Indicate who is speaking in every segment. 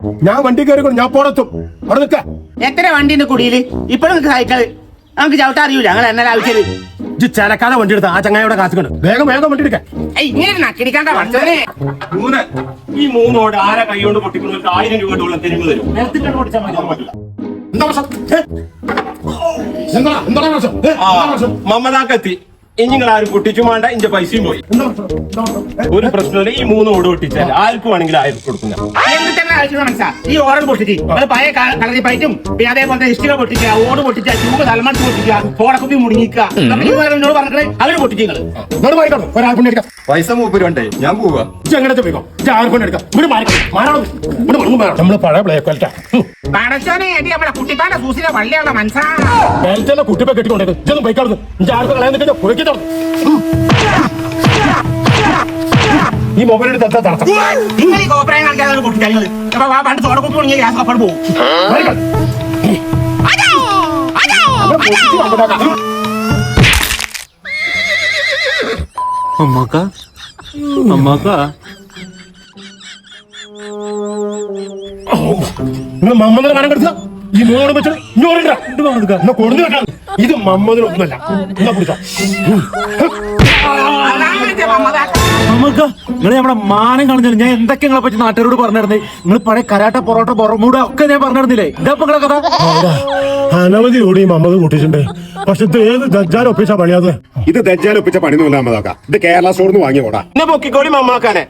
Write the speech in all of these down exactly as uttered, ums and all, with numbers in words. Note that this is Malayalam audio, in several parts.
Speaker 1: ഞാൻ വണ്ടി കയറി ഞാൻ പോടത്തും അവിടെ നിൽക്ക.
Speaker 2: എത്ര വണ്ടിന്റെ കുടിയില് ഇപ്പഴും സൈക്കിള് നമുക്ക് ചവിട്ടാ അറിയൂല ഞങ്ങൾ എന്നാലും ആവശ്യം
Speaker 1: ചലക്കാതെ വണ്ടി എടുത്ത ആ ചങ്ങായിയുടെ കാശുണ്ട്. വേഗം വേഗം വണ്ടി എടുക്കാൻ.
Speaker 2: ഇങ്ങനെ നക്കിടിക്കാണ്ട പഠിച്ചോനെ.
Speaker 1: മൂന്ന് ഈ മൂന്നോട് ആരെ കൈകൊണ്ട് പൊട്ടിക്കുന്നവർക്ക് ആയിരം രൂപ ഉള്ള തെരുവ് തരും. എന്താ പ്രശ്നം? എന്താ എന്താ പ്രശ്നം? മമതാക്കെത്തി ഇനി നിങ്ങൾ ആരും പൊട്ടിച്ചു വേണ്ട. ഇന്റെ പൈസയും പോയി. ഒരു പ്രശ്നമില്ല. ഈ മൂന്ന് ഓട് പൊട്ടിച്ചാൽ ആർക്കും വേണമെങ്കിൽ ആയിരം കൊടുക്കുന്ന
Speaker 2: എന്തിന്റെ ആവശ്യം മനസ്സാ ഈ ഓർഡർ പൊട്ടിച്ച് അത് പഴയ കളറി പൈറ്റും പിന്നെ അതേപോലെ ഇഷ്ടിക പൊട്ടിക്കുക ഓട് പൊട്ടിക്കുക ചൂട് തലമണത്ത് പൊട്ടിക്കുക ഫോടക്കുപ്പി മുടങ്ങിക്കുക എന്നോട് പറഞ്ഞേ അവര് പൊട്ടിച്ചു
Speaker 3: പൈസ മൂപ്പരുണ്ടേ ഞാൻ പോവാ.
Speaker 1: നമ്മള് പഴയ ബ്ലേക്ക്
Speaker 2: പടച്ചോനെ നമ്മുടെ കുട്ടിപ്പാന്റെ സൂസിനെ വള്ളിയുള്ള മനസ്സാ
Speaker 1: കുട്ടിപ്പെ കെട്ടിക്കൊണ്ടേ ബൈക്കാടുന്നു ആർക്കും കളയാൻ പുഴക്കി ഈ മൊബൈൽ എടുത്ത്
Speaker 2: നിങ്ങൾ ഈ കോപ്പറയും കളിക്കാതെ പൊട്ടിക്കാങ്ങൾ പണ്ട് തോടക്കുപ്പി മുടങ്ങിയ ഗ്യാസ് കപ്പട് പോകും.
Speaker 4: അമ്മാക്ക അമ്മാക്ക
Speaker 1: നിങ്ങൾ മമ്മദിനെ മരം കെടുത്ത ഈ മൂന്നോട് വെച്ചാൽ ഇത് മമ്മദിനൊന്നുമല്ല. എന്നാ പിടിച്ചോ.
Speaker 4: അമ്മക്ക നിങ്ങൾ നമ്മുടെ മാനം കളഞ്ഞു. ഞാൻ എന്തൊക്കെ നിങ്ങളെ പറ്റി നാട്ടുകാരോട് പറഞ്ഞിരുന്നേ. നിങ്ങൾ പഴയ കരാട്ട പൊറോട്ട ബൊറമൂട ഒക്കെ ഞാൻ പറഞ്ഞിരുന്നില്ലേ. ഇതാ നിങ്ങളെ കഥ.
Speaker 1: അനവധി കൂടി മമ്മദ് കൂട്ടിയിട്ടുണ്ട്. പക്ഷെ ഇത് ഏത് ദജ്ജാൽ ഒപ്പിച്ച പണിയാത്?
Speaker 3: ഇത് ദജ്ജാൽ ഒപ്പിച്ച പണിയൊന്നുമില്ല അമ്മതാക്ക. ഇത് കേരള സ്റ്റോറിന്ന് വാങ്ങിയ പോടാ.
Speaker 1: എന്നെ പൊക്കിക്കോടി മമ്മാക്കാനെ.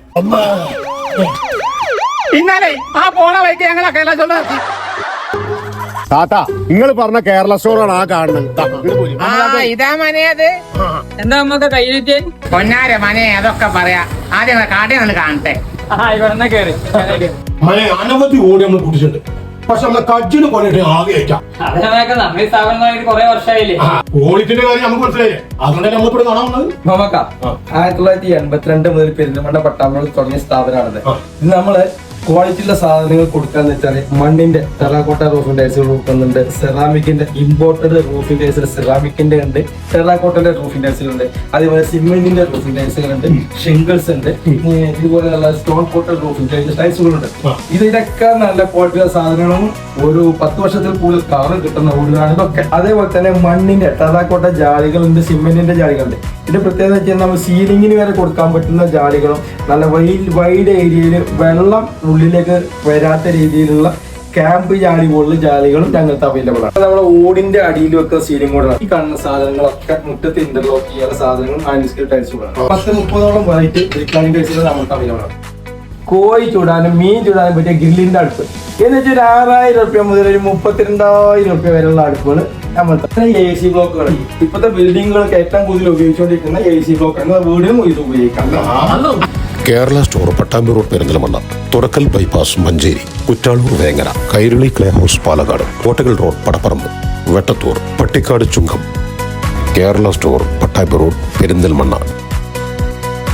Speaker 2: ഇന്നാലേ ആ പോണ വൈക്ക് ഞങ്ങളെ കേരള
Speaker 3: താത്ത നിങ്ങൾ പറഞ്ഞ കേരള സ്റ്റോറാണ് ആ കാണുന്നത്.
Speaker 2: ഇതാ മനയത്
Speaker 5: എന്താ അമ്മക്ക് കയ്യിലിട്ട്
Speaker 2: പൊന്നാര മനെ അതൊക്കെ പറയാ. ആദ്യം കാട്ടിൽ നിന്ന് കാണട്ടെ.
Speaker 5: ഇവിടെ കേറി
Speaker 1: മനെ അനവധി ഓടി നമ്മൾ കൂട്ടിയിട്ടുണ്ട്. പക്ഷെ നമ്മളെ കജ്ജിന് കൊണ്ടിട്ട് ആകെ ഏറ്റാം.
Speaker 5: അതിനൊക്കെ നമ്മുടെ സ്ഥാപനമായിട്ട് കുറെ വർഷമായില്ലേ.
Speaker 1: ഓഡിറ്റിന്റെ കാര്യം നമുക്ക് മനസ്സിലായില്ലേ? അതുകൊണ്ടല്ലേ നമ്മളിവിടെ കാണാൻ വന്നത്.
Speaker 6: മമക്ക ആയിരത്തി തൊള്ളായിരത്തി എൺപത്തിരണ്ട് മുതൽ പെരിന്തൽമണ്ണ പട്ടാമ്പുഴ തുടങ്ങിയ സ്ഥാപനമാണത്. ഇത് നമ്മള് ക്വാളിറ്റിയുള്ള സാധനങ്ങൾ കൊടുക്കാന്ന് വെച്ചാല് മണ്ണിന്റെ ടെറാക്കോട്ട റൂഫിംഗ് ടൈൽസുകൾ കൊടുക്കുന്നുണ്ട്. സെറാമിക്കിന്റെ ഇമ്പോർട്ടഡ് റൂഫിംഗ് ടൈൽസ് സെറാമിക്കിന്റെ ഉണ്ട്. ടെറാക്കോട്ടന്റെ റൂഫിംഗ് ടൈൽസുകളുണ്ട്. അതേപോലെ സിമെന്റിന്റെ റൂഫിംഗ് ടൈൽസുകളുണ്ട്. ഷിംഗിൾസ് ഉണ്ട്. ഇതുപോലെയുള്ള സ്റ്റോൺ കോട്ടഡ് റൂഫിംഗ് ടൈൽസ് ടൈൽസുകളുണ്ട്. ഇതിനൊക്കെ നല്ല ക്വാളിറ്റിയുള്ള സാധനങ്ങളും ഒരു പത്ത് വർഷത്തിൽ കൂടുതൽ കവർ കിട്ടുന്ന വീടുകളാണ് ഇതൊക്കെ. അതേപോലെ തന്നെ മണ്ണിന്റെ ടെറാക്കോട്ട ജാലികളുണ്ട്. സിമെന്റിന്റെ ജാലികളുണ്ട്. ഇതിന്റെ പ്രത്യേകത വെച്ചാൽ നമ്മൾ സീലിംഗിന് വരെ കൊടുക്കാൻ പറ്റുന്ന ജാലികളും നല്ല വൈഡ് വൈഡ് ഏരിയയിൽ വെള്ളം ഉള്ളിലേക്ക് വരാത്ത രീതിയിലുള്ള ക്യാമ്പ് ജാലി പോലുള്ള ജാലികളും ഞങ്ങൾക്ക് അവൈലബിൾ ആണ്. നമ്മുടെ ഓടിന്റെ അടിയിൽ വെക്കുന്ന സീലിംഗ് കൂടെ ഈ കാണുന്ന സാധനങ്ങളൊക്കെ മുറ്റത്ത് ഇന്റർലോക്ക് ചെയ്യാനുള്ള സാധനങ്ങളും ആൻഡിസ്കൽ ടൈൽസുകളാണ്. പത്ത് മുപ്പതോളം വെറൈറ്റി ബ്രിക്കാനിക് ടൈൽസുകൾ നമുക്ക് അവൈലബിൾ ആണ്. കോഴി ചൂടാനും മീൻ ചൂടാനും പറ്റിയ ഗ്രില്ലിന്റെ അടുപ്പ് എന്ന് വെച്ചാൽ ഒരു ആറായിരം റുപ്യ മുതൽ ഒരു മുപ്പത്തിരണ്ടായിരം റുപ്യ വരെയുള്ള അടുപ്പുകൾ നമ്മൾ എ സി ബ്ലോക്കുകൾ ഇപ്പോഴത്തെ ബിൽഡിങ്ങുകൾക്ക് ഏറ്റവും കൂടുതൽ ഉപയോഗിച്ചുകൊണ്ടിരിക്കുന്ന എ സി ബ്ലോക്കാണ്. വീടിനും ഇത് ഉപയോഗിക്കാം.
Speaker 7: Kerala store Pattambi road Perinthalmanna, Thurakkal bypass Manjeri, Kuttalur Vengara, Kairali clay house Palakkad, Kottakkal road Padapparamba, Vettathur, Pattikkad Chungam. Kerala store Pattambi road Perinthalmanna.